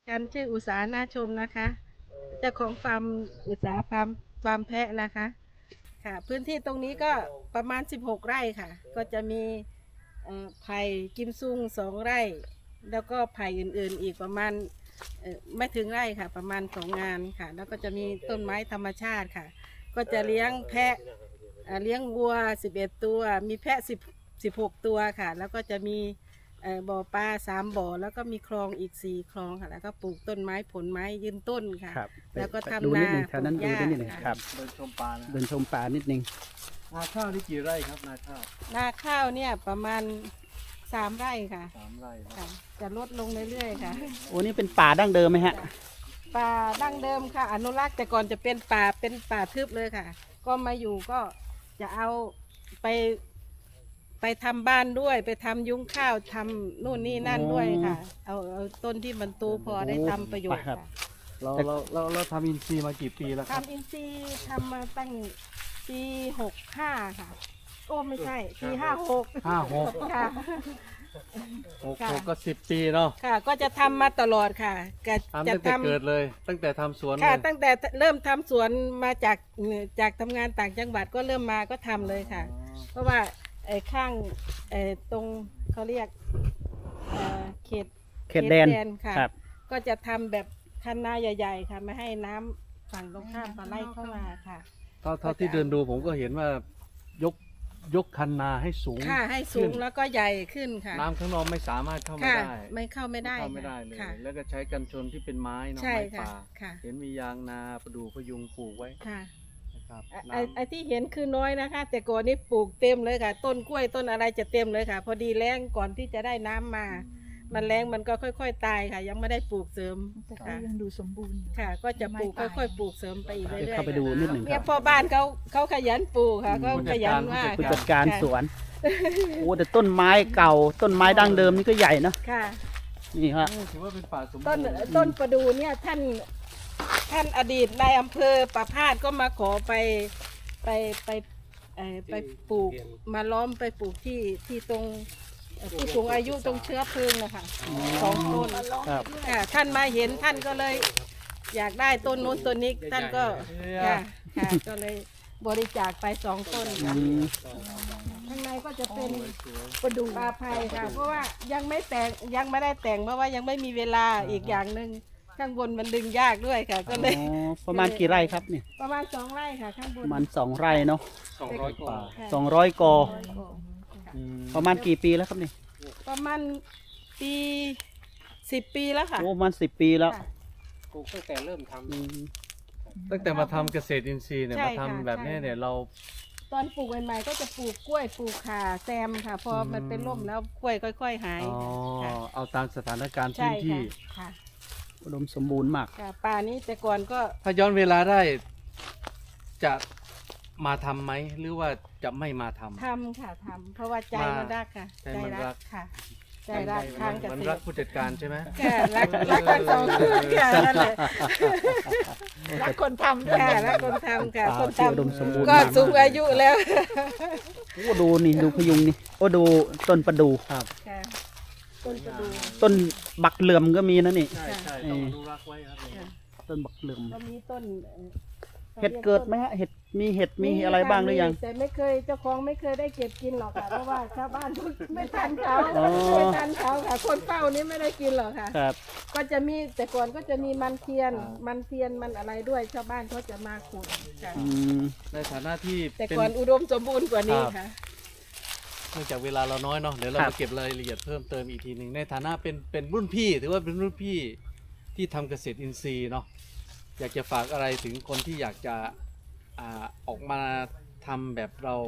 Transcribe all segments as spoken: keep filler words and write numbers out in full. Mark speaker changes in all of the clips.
Speaker 1: กันชื่ออุษาหน้าชมนะคะเจ้าของฟาร์มอุษาฟาร์มฟาร์มแพะนะคะค่ะพื้นที่ตรงนี้ก็ประมาณสิบหกไร่ค่ะก็จะมีเอ่อไผ่กิมซุงสองไร่แล้วก็ไผ่อื่นๆอีกประมาณเอ่อไม่ถึงไร่ค่ะประมาณสองงานค่ะแล้วก็จะมีต้นไม้ธรรมชาติค่ะก็จะเลี้ยงแพะเอ่อเลี้ยงวัวสิบเอ็ดตัวมีแพะสิบ สิบหกตัวค่ะแล้วก็จะมีเอ่อบ่อปลาสามบ่อแล้วก็มีคลองอีกสี่คลองค่ะแล้วก็ปลูกต้นไม้ผลไม้ยืนต้นค่ะ
Speaker 2: ครับ
Speaker 1: แล้วก็
Speaker 2: ดู
Speaker 1: ทำ
Speaker 2: นิด
Speaker 1: นา
Speaker 2: หนึ่งแถวนั้น
Speaker 1: ปลู
Speaker 2: ดู
Speaker 1: กหญ้า
Speaker 2: นิดหนึ่ง
Speaker 1: ค่ะ
Speaker 2: ครับ
Speaker 3: เดินชมปลานะ
Speaker 2: เดินชมป่านิดหนึ่ง
Speaker 3: นาข้าวนี่กี่ไร่ครับนาข้าว
Speaker 1: นาข้าวเนี่ยประมาณสามไร่ค่ะ
Speaker 3: สามไร่นะ
Speaker 1: ค่ะจะลดลงเรื่อยๆค่ะ
Speaker 2: โอ้นี่เป็นป่าดั้งเดิมไหมฮะ
Speaker 1: ป่าดั้งเดิมค่ะ อนุรักษ์แต่ก่อนจะเป็นป่าเป็นป่าทึบเลยค่ะ ก็มาอยู่ก็จะเอาไปไปทำบ้านด้วยไปทำยุ้งข้าวทำนู่นนี่นั่นด้วยค่ะ เอาเอาต้นที่มันโตพอได้ทำประโยชน์
Speaker 2: ครั
Speaker 1: ค่ะ
Speaker 2: บ
Speaker 3: เราเราเราเราทำอินทรีย์มากี่ปีแล้วครับ
Speaker 1: ทำอินทรีย์ทำมาตั้งปีหกห้าค่ะ โอ้ไม่ใช่ปีห้าหก
Speaker 3: ห้าหก
Speaker 1: ค่ะ
Speaker 3: หก
Speaker 1: ค่ะ
Speaker 3: หกก็สิบปีเนาะ
Speaker 1: ค่ะ ก็จะทำมาตลอดค่ะก็
Speaker 3: ทำ
Speaker 1: จะ
Speaker 3: ตั้งแต่
Speaker 1: ทำ
Speaker 3: เกิดเลย ตั้งแต่ทำสวนเล
Speaker 1: ค่ะ
Speaker 3: ย
Speaker 1: ตั้งแต่เริ่มทำสวนมาจากจากทำงานต่างจังหวัดก็เริ่มมาก็ทำเลยค่ะ เพราะว่าไอ้ข้างไอ้ตรงเขาเรียกเอ่อเขต
Speaker 2: เขตแดน
Speaker 1: ค่ะ
Speaker 2: ครับ
Speaker 1: ก็จะทำแบบคันนาใหญ่ ๆ ค่ะไม่ให้น้ำฝั่งตรงข้ามมาไล่เข้ามาค่ะ
Speaker 3: เท่าเท่าที่เดินดูผมก็เห็นว่ายกยกคันนาให้สูง
Speaker 1: ค่ะให้สูงแล้วก็ใหญ่ขึ้นค่ะ
Speaker 3: น้ำข้างนอกไม่สามารถเข้ามา
Speaker 1: ค่ะ
Speaker 3: ได้
Speaker 1: ไม่เข้าไม่ได้
Speaker 3: เข้าไม่ได้เลย
Speaker 1: ค่ะ
Speaker 3: แล้วก็ใช้กันชนที่เป็นไม้เนาะ
Speaker 1: ใช่
Speaker 3: ไม้
Speaker 1: ค่ะ
Speaker 3: ป่า
Speaker 1: ค่ะ
Speaker 3: เห็นมียางนาประดูพยุงปลูกไว้
Speaker 1: ค่ะ
Speaker 3: นะครับ
Speaker 1: ไอ้
Speaker 3: น้ำ
Speaker 1: ไอ้ที่เห็นคือน้อยนะคะ แต่ก่อนนี้ปลูกเต็มเลยค่ะ ต้นกล้วยต้นอะไรจะเต็มเลยค่ะ พอดีแล้งก่อนที่จะได้น้ำมา มันแล้งมันก็ค่อย ๆ ตายค่ะ ยังไม่ได้ปลูกเสริม
Speaker 4: แต่ก็
Speaker 1: ค่ะ
Speaker 4: ยังดูสมบูรณ์อยู่
Speaker 1: ค่ะ ก็จะปลูก
Speaker 4: ไม่ตาย
Speaker 1: ค่อยๆปลูกเสริมไปอีกเรื่อยๆ
Speaker 2: เดี๋ยวเข้าไปดูนิดหนึ่ง
Speaker 1: เนี่ยพ่อบ้านเขาเขาขยันปลูกค่ะเขาขยันมาก
Speaker 2: ผู้
Speaker 1: ค่ะ
Speaker 2: จัดการ
Speaker 1: ค่ะ
Speaker 2: สวน โอ้แต่ต้นไม้เก่า ต้นไม้ดั้งเดิมนี่ก็ใหญ่เนอะ
Speaker 1: ค่ะ
Speaker 2: นี่ฮะ
Speaker 3: นี่ถือว่าเป็นป่าสมบู
Speaker 1: ต้น
Speaker 3: รณ์
Speaker 1: ต้นประดูเนี่ยท่านท่านอดีตนายอำเภอประพาสก็มาขอไปไปไปเอ่อไปปลูกมาล้อมไปปลูกที่ที่ตรงเอ่อผู้สูงอายุตรงเชื้อเพลิงนะคะสองต้น
Speaker 2: ครับ
Speaker 1: ค่ะท่านมาเห็นท่านก็เลย อยากได้ต้นนู้นต้นนี้ท่านก็ค่ะค่ะก็เลยบริจาคไปสองต้น
Speaker 2: อื
Speaker 1: ค่ะ
Speaker 2: ม
Speaker 1: ข้างในก็จะเป็นประดูปลาภัยค่ะ เพราะว่ายังไม่แต่งยังไม่ได้แต่งเพราะว่ายังไม่มีเวลาอีกอย่างหนึ่งข้างบนมันดึงยากด้วยค่ะ ก็เลย
Speaker 2: อ๋อประมาณกี่ไร่ครับเนี่ย
Speaker 1: ประมาณสองไร่ค่ะ ข้างบ
Speaker 2: ป
Speaker 1: น
Speaker 2: ระมาณสองไร่เนาะ
Speaker 3: สองร้อยกว่า
Speaker 1: ค่ะ
Speaker 2: สองร้อยกอ
Speaker 3: อืม
Speaker 2: ประมาณกี่ปีแล้วครับเนี่ย
Speaker 1: ประมาณปีสิบปีแล้วค่ะ
Speaker 2: โอ้ประมาณสิบปีแล้ว
Speaker 1: ค่ะ
Speaker 3: ปลูกตั้งแต่เริ่มทำ
Speaker 2: อืม
Speaker 3: ตั้งแต่มาทำเกษตรอินทรีย์เนี่ย
Speaker 1: ใช่
Speaker 3: มาทำ
Speaker 1: ค่ะ
Speaker 3: แบบนี้
Speaker 1: ใช่
Speaker 3: เนี่ยเรา
Speaker 1: ตอนปลูกใหม่ๆก็จะปลูกกล้วยปลูกข่าแซมค่ะ พอมันเป็นร่มแล้วกล้วยค่อย ๆ หาย
Speaker 3: อ๋อ
Speaker 1: ค่ะ
Speaker 3: เอาตามสถานการณ์
Speaker 1: ใช่
Speaker 3: พื้นที่
Speaker 1: ค่ะค่ะ
Speaker 2: อุดมสมบูรณ์มาก
Speaker 1: ค่ะป่านี้แต่ก่อนก็
Speaker 3: ถ้าย้อนเวลาได้จะมาทำไหมหรือว่าจะไม่มาทำ
Speaker 1: ทำค่ะทำเพราะว่าใจมันรักค่ะ
Speaker 3: ใจมันรัก
Speaker 1: ค่ะ ใจรักทางเก
Speaker 3: มัน
Speaker 1: ษ
Speaker 3: รั
Speaker 1: ต
Speaker 3: ก
Speaker 1: ร
Speaker 3: ผู้จัดการใช่ไหม
Speaker 1: ค่ะรักรักทั้งสองคนค่ะนั่นแหละ
Speaker 4: รักคนทำ
Speaker 1: ค่ะรักคนทำค่ะ
Speaker 2: อ่า
Speaker 1: คน
Speaker 2: ที่อุดม
Speaker 1: ทำ
Speaker 2: สมบูรณ์
Speaker 1: ก็
Speaker 2: มาก
Speaker 1: สูงอายุแล้ว
Speaker 2: โอ้ดูนี่ดูพยุงนี่โอ้ดูต้นประดู
Speaker 3: ครับ
Speaker 1: ค่ะต้นประดู
Speaker 2: ต้นบักเหลื่อมก็มีนะนี่
Speaker 3: ใช่ใช่
Speaker 2: เออ
Speaker 3: ต้องอนุรักษ์ไว้ครับ
Speaker 1: ค่ะ
Speaker 2: ต้นบักเหลื่อม
Speaker 1: ก็มีต้นอ่อ
Speaker 2: เห็ดเกิดไหมฮะเห็ดมีเห็ดมีอะไรบ้างหรือยัง
Speaker 1: มีแต่ไม่เคยเจ้าของไม่เคยได้เก็บกินหรอกค่ะ เพราะว่าชาวบ้านไม่ทันเขา
Speaker 2: อ๋อ
Speaker 1: ไม่ทันเขาค่ะ คนเฝ้านี้ไม่ได้กินหรอกค่ะ
Speaker 2: ครับ
Speaker 1: ก็จะมีแต่ก่อนก็จะมีมันเทียน มันเทียนมันอะไรด้วยชาวบ้านเขาจะมาขุดค่ะ
Speaker 2: อืม
Speaker 3: ในฐานะที่
Speaker 1: แต่
Speaker 3: เป็น
Speaker 1: ก่อนอุดมสมบูรณ์กว่านี้ค่ะ
Speaker 3: เนื่องจากเวลาเราน้อยเนาะเดี๋ยวเรา
Speaker 2: ครับ
Speaker 3: มาเก็บรายละเอียดเพิ่มเติมอีกทีหนึ่งในฐานะเป็นเป็นรุ่นพี่ถือว่าเป็นรุ่นพี่ที่ทำเกษตรอินทรีย์เนาะอยากจะฝากอะไรถึงคนที่อยากจะอ่าออกมาทำแบบเรา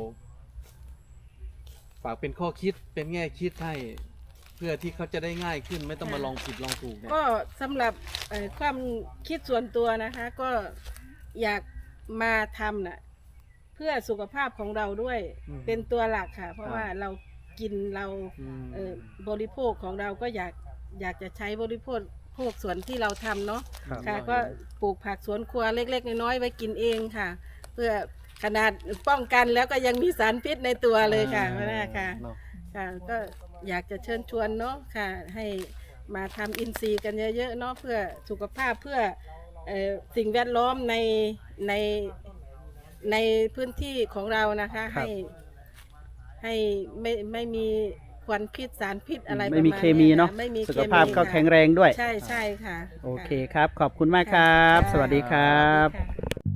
Speaker 3: ฝากเป็นข้อคิดเป็นแง่คิดให้ เพื่อที่เขาจะได้ง่ายขึ้นไม่ต้องมาลองผิดลองถูกเนี่ย
Speaker 1: ก็สำหรับเอ่อความคิดส่วนตัวนะคะ ก็อยากมาทำน่ะเพื่อสุขภาพของเราด้วย
Speaker 3: อืม
Speaker 1: เป็นตัวหลักค่ะ เพราะ
Speaker 3: ครับ
Speaker 1: ว่าเรากินเรา
Speaker 3: อืม
Speaker 1: เอ่อบริโภคของเราก็อยากอยากจะใช้บริโภคพวกสวนที่เราทำเนาะ
Speaker 2: ครับ
Speaker 1: ค่ะ ก็ปลูกผักสวนครัวเล็กๆน้อยๆไว้กินเองค่ะ เพื่อขนาดป้องกันแล้วก็ยังมีสารพิษในตัวเลยค่ะ
Speaker 3: อ่า
Speaker 1: ว่าค่ะ
Speaker 3: เนาะ
Speaker 1: ค่ะก็อยากจะเชิญชวนเนาะค่ะ ให้มาทำอินทรีย์กันเยอะๆเนาะเพื่อสุขภาพเพื่อเอ่อสิ่งแวดล้อมในในในพื้นที่ของเรานะคะ
Speaker 2: ครับ
Speaker 1: ให้ให้ไม่ไม่มีควันพิษสารพิษอะไร
Speaker 2: ไม่มี
Speaker 1: ประาณ
Speaker 2: เคมีเนาะ
Speaker 1: ไม่มี
Speaker 2: สุ
Speaker 1: เค
Speaker 2: ข
Speaker 1: มี
Speaker 2: ภาพก็
Speaker 1: ค่ะ
Speaker 2: แข็งแรงด้วย
Speaker 1: ใช่ใช่ค่ะ
Speaker 2: โอเคครับ ขอบคุณมากครับ สวัสดีครับ
Speaker 1: ค่ะ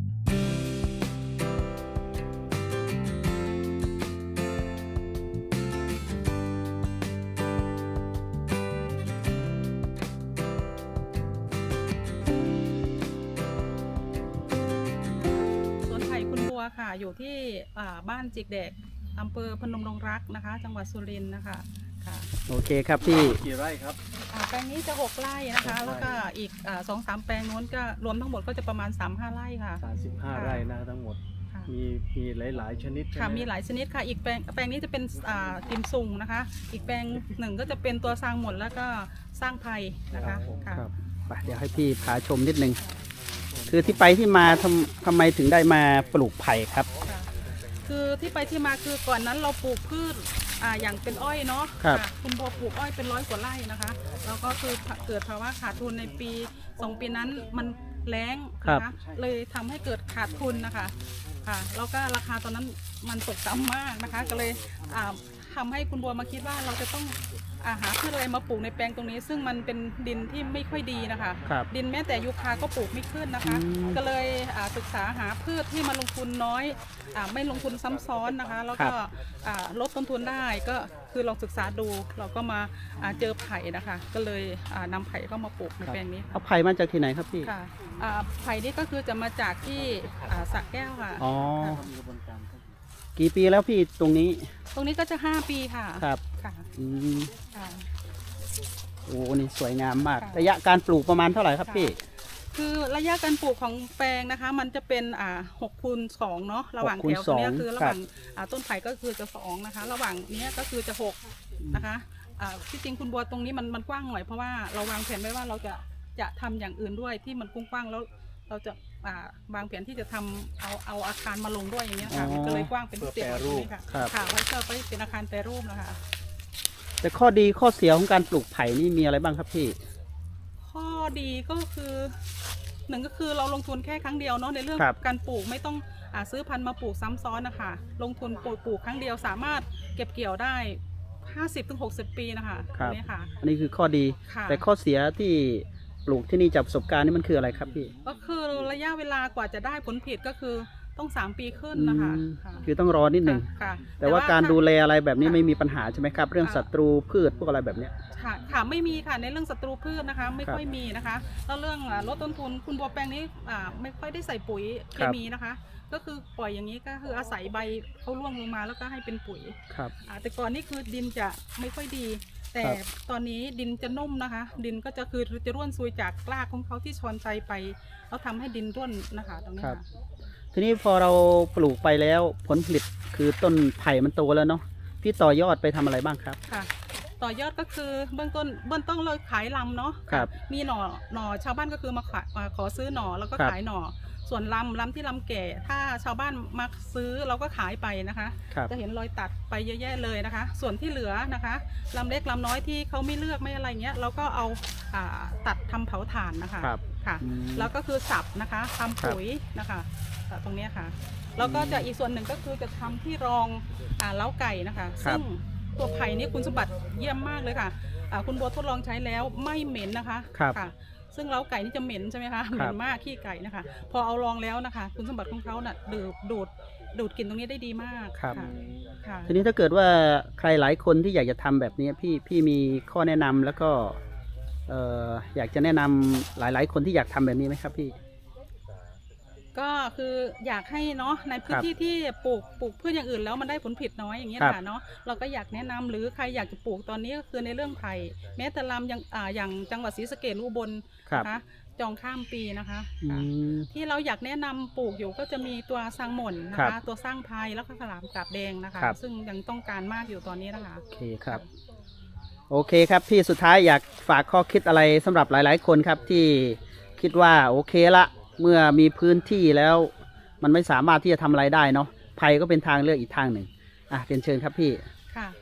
Speaker 5: สวนไผ่คุณบัวค่ะ อยู่ที่อ่าบ้านจิกเด็กอำเภอพนมดงรักนะคะ จังหวัดสุรินทร์นะคะค่ะ
Speaker 2: โอเคครับพี่
Speaker 3: กี่ไร่ครับ
Speaker 5: อ่าแปลงนี้จะหกไร่นะคะ
Speaker 3: หกไร่
Speaker 5: แล้วก็อีกอ่าสองสามแปลงนู้นก็รวมทั้งหมดก็จะประมาณสามห้าไร่ค่ะ
Speaker 3: สามสิบห้าไร่นะทั้งหมด
Speaker 5: ค่ะ
Speaker 3: มีมีหลาย ๆ ชนิดใช่
Speaker 5: ค่ะ
Speaker 3: ไหม
Speaker 5: มีหลายชนิดค่ะ อีกแปลงแปลงนี้จะเป็นอ่ากิมซุงนะคะ อีกแปลงหนึ่งก็จะเป็นตัวสร้างหมดแล้วก็สร้างไผ่นะคะค่ะ
Speaker 2: ครับไปเดี๋ยวให้พี่พาชมนิดนึง คือที่ไปที่มาทำทำไมถึงได้มาปลูกไผ่ครับ
Speaker 5: ค่ะคือที่ไปที่มาคือก่อนนั้นเราปลูกพืชอ่าอย่างเป็นอ้อยเนาะ
Speaker 2: ครับ
Speaker 5: ะคุณบัวปลูกอ้อยเป็นร้อยกว่าไร่นะคะแล้วก็คือเกิดภาวะขาดทุนในปีสองปีนั้นมันแล้งนะคะเลยทำให้เกิดขาดทุนนะคะค่ะแล้วก็ราคาตอนนั้นมันตกต่ำมากนะคะ ก็เลยอ่าทำให้คุณบัวมาคิดว่าเราจะต้องอาหาพืชอะไรมาปลูกในแปลงตรงนี้ ซึ่งมันเป็นดินที่ไม่ค่อยดีนะคะ
Speaker 2: ครับ
Speaker 5: ดินแม้แต่ยูคาก็ปลูกไม่ขึ้นนะคะ
Speaker 2: อืม
Speaker 5: ก็เลยอ่าศึกษาหาพืชที่มาลงทุนน้อยอาไม่ลงทุนซ้ำซ้อนนะคะ แล้วก็อ่าลดต้นทุนได้ก็คือลองศึกษาดูเราก็มาอ่าเจอไผ่นะคะ ก็เลยอ่านำไผ่เข้ามาปลูกในแปลงนี้
Speaker 2: เอาไผ่มาจากที่ไหนครับพี่
Speaker 5: ค่ะอ่าไผ่นี่ก็คือจะมาจากที่อ่าสระแก้วค่ะ
Speaker 2: อ๋อ
Speaker 5: ค่ะ
Speaker 2: กี่ปีแล้วพี่ตรงนี้
Speaker 5: ตรงนี้ก็จะห้าปีค่ะ
Speaker 2: ครับ
Speaker 5: ค่ะ
Speaker 2: อืม
Speaker 5: ค่ะ
Speaker 2: โอ้นี่สวยงามมาก
Speaker 5: ค่ะ
Speaker 2: ระยะการปลูกประมาณเท่าไหร่ครับพี่
Speaker 5: คือระยะการปลูกของแปลงนะคะ มันจะเป็นอ่าหกคูณสองเนาะระหว่าง
Speaker 2: หกคูณ
Speaker 5: แถวตรงเนี้ย
Speaker 2: สอง
Speaker 5: คือระหว่างอ่าต้นไผ่ก็คือจะสองนะคะ ระหว่างเนี้ยก็คือจะหกนะคะอ่าที่จริงคุณบัวตรงนี้มันมันกว้างหน่อยเพราะว่าเราวางแผนไว้ว่าเราจะจะทำอย่างอื่นด้วยที่มันกว้างๆแล้วเราจะอ่าวางแผนที่จะทำเอาเอาอาคารมาลงด้วยอย่างเงี้ยค่ะ
Speaker 2: อ๋อ
Speaker 5: มันก็เลยกว้างเป็นพิเศษ
Speaker 3: เพื่อแปรรูป
Speaker 5: ค่ะ
Speaker 2: ครับ
Speaker 5: ค่ะไว้เพื่อไปเป็นอาคารแปรรูปนะคะ
Speaker 2: แต่ข้อดีข้อเสียของการปลูกไผ่นี่มีอะไรบ้างครับพี่
Speaker 5: ข้อดีก็คือหนึ่งก็คือเราลงทุนแค่ครั้งเดียวเนาะในเรื่อง
Speaker 2: ครับ
Speaker 5: การปลูกไม่ต้องอาซื้อพันธุ์มาปลูกซ้ำซ้อนนะคะลงทุนปลูกปลูกครั้งเดียวสามารถเก็บเกี่ยวได้ ห้าสิบถึงหกสิบ ปีนะคะ
Speaker 2: ครับ
Speaker 5: นี่ค่ะ
Speaker 2: อันนี้คือข้อดี
Speaker 5: ค่ะ
Speaker 2: แต่ข้อเสียที่ปลูกที่นี่จากประสบการณ์นี่มันคืออะไรครับพี่
Speaker 5: ก็คือระยะเวลากว่าจะได้ผลผลิตก็คือต้องสามปีขึ้นนะคะ
Speaker 2: อืม
Speaker 5: ค่ะ
Speaker 2: คือต้องรอนิดหนึ่ง
Speaker 5: ค่ะ
Speaker 2: แต่ว่าการดูแลอะไรแบบนี้
Speaker 5: ค่ะ
Speaker 2: ไม่มีปัญหาใช่ไหมครับ เรื่อง
Speaker 5: ค่ะ
Speaker 2: ศัตรูพืชพวกอะไรแบบเนี้ย
Speaker 5: ค่ะค่ะไม่มีค่ะในเรื่องศัตรูพืชนะคะ ไม่
Speaker 2: ครับ
Speaker 5: ค่อยมีนะคะแล้วเรื่องอ่าลดต้นทุนคุณบัวแปลงนี้อ่าไม่ค่อยได้ใส่ปุ๋ยเค
Speaker 2: ครับ
Speaker 5: มีนะคะ ก็คือปล่อยอย่างนี้ก็คืออาศัยใบเขาร่วงลงมาแล้วก็ให้เป็นปุ๋ย
Speaker 2: ครับ
Speaker 5: อ่าแต่ก่อนนี่คือดินจะไม่ค่อยดี แต่
Speaker 2: ครับ
Speaker 5: ตอนนี้ดินจะนุ่มนะคะ ดินก็จะคือจะร่วนซุยจากรากของเขาที่ชอนใจไปแล้วทำให้ดินร่วนนะคะตรงนี้
Speaker 2: ครับ
Speaker 5: ค่ะ
Speaker 2: ทีนี้พอเราปลูกไปแล้วผลผลิตคือต้นไผ่มันโตแล้วเนาะพี่ต่อยอดไปทำอะไรบ้างครับ
Speaker 5: ค่ะ ต่อยอดก็คือเบื้องต้นเบื้องต้นเราขายลำเนาะ
Speaker 2: ครับ
Speaker 5: มีหน่อหน่อชาวบ้านก็คือมาขายมาขอซื้อหน่อแล้วก็
Speaker 2: ครับ
Speaker 5: ขายหน่อ ส่วนลำลำที่ลำแก่ ถ้าชาวบ้านมาซื้อเราก็ขายไปนะคะ
Speaker 2: ครับ
Speaker 5: จะเห็นรอยตัดไปเยอะแยะเลยนะคะ ส่วนที่เหลือนะคะลำเล็กลำน้อยที่เขาไม่เลือกไม่อะไรเงี้ยเราก็เอาอ่าตัดทำเผาถ่านนะคะ
Speaker 2: ครับ
Speaker 5: ค่ะ
Speaker 2: อืม
Speaker 5: แล้วก็คือสับนะคะทำปุ๋ยนะคะตรงเนี้ยค่ะแล้วก็จะอีกส่วนหนึ่งก็คือจะทำที่รองอ่าเล้าไก่นะคะ
Speaker 2: ครับ
Speaker 5: ซึ่งตัวไผ่นี่คุณสมบัติเยี่ยมมากเลยค่ะอ่าคุณบัวทดลองใช้แล้วไม่เหม็นนะคะ
Speaker 2: ครับ
Speaker 5: ค่ะ ซึ่งเล้าไก่นี่จะเหม็นใช่ไหมคะเหม็นมากขี้ไก่นะคะ พอเอาลองแล้วนะคะ คุณสมบัติของเขาน่ะดูดดูดดูดกลิ่นตรงนี้ได้ดีมาก
Speaker 2: ครับ
Speaker 5: ะค่ะ
Speaker 2: ทีนี้ถ้าเกิดว่าใครหลายคนที่อยากจะทำแบบนี้พี่พี่มีข้อแนะนำแล้วก็เอ่ออยากจะแนะนำหลาย ๆ คนที่อยากทำแบบนี้ไหมครับพี่
Speaker 5: ก็คืออยากให้เนาะในพื้นที่ที่ปลูกปลูกพืชอย่างอื่นแล้วมันได้ผลผลิตน้อยอย่างเงี้ย
Speaker 2: ครับ
Speaker 5: ค่ะเนาะเราก็อยากแนะนำหรือใครอยากจะปลูกตอนนี้ก็คือในเรื่องไผ่แม้แต่ลำอย่างอ่าอย่างจังหวัดศรีสะเกษอุบล
Speaker 2: ครับ
Speaker 5: นะคะจองข้ามปีนะคะ
Speaker 2: อื
Speaker 5: ค่ะ
Speaker 2: ม
Speaker 5: ที่เราอยากแนะนำปลูกอยู่ก็จะมีตัวสร้างหม่นนะ
Speaker 2: ครั
Speaker 5: คะ
Speaker 2: บ
Speaker 5: ตัวสร้างไพรแล้วก็ขลามกาบแดงนะคะ
Speaker 2: ครับ
Speaker 5: ซึ่งยังต้องการมากอยู่ตอนนี้นะคะ
Speaker 2: โอเคครับ โอเคครับพี่สุดท้ายอยากฝากข้อคิดอะไรสำหรับหลาย ๆ คนครับที่คิดว่าโอเคละเมื่อมีพื้นที่แล้ว มันไม่สามารถที่จะทำอะไรได้เนาะไผ่ก็เป็นทางเลือกอีกทางหนึ่งอ่ะเรียนเชิญครับพี่
Speaker 5: ค่ะ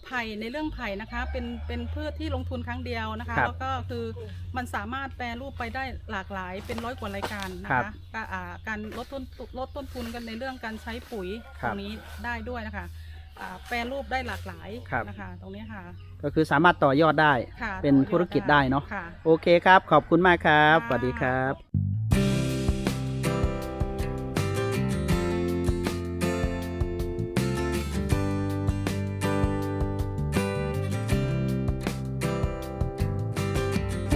Speaker 5: ไผ่ในเรื่องไผ่นะคะเป็นเป็นพืชที่ลงทุนครั้งเดียวนะคะ
Speaker 2: ครับ
Speaker 5: แล้วก็คือมันสามารถแปรรูปไปได้หลากหลายเป็นร้อยกว่ารายการนะ
Speaker 2: ครั
Speaker 5: คะ
Speaker 2: บ
Speaker 5: ก็อ่าการลดต้นลดต้นทุนกันในเรื่องการใช้ปุ๋ย
Speaker 2: ค
Speaker 5: ต
Speaker 2: รับ
Speaker 5: รงนี้ได้ด้วยนะคะอ่าแปรรูปได้หลากหลาย
Speaker 2: ครับ
Speaker 5: นะคะตรงนี้ค่ะ
Speaker 2: ก็คือสามารถต่อยอดได้
Speaker 5: ค่ะ
Speaker 2: เป็น
Speaker 5: ต่อยอด
Speaker 2: ธุรกิจได้เนาะ
Speaker 5: ค่ะ
Speaker 2: โอเคครับ ขอบคุณมากครับ
Speaker 5: ค่ะ
Speaker 2: สวัสดีครับ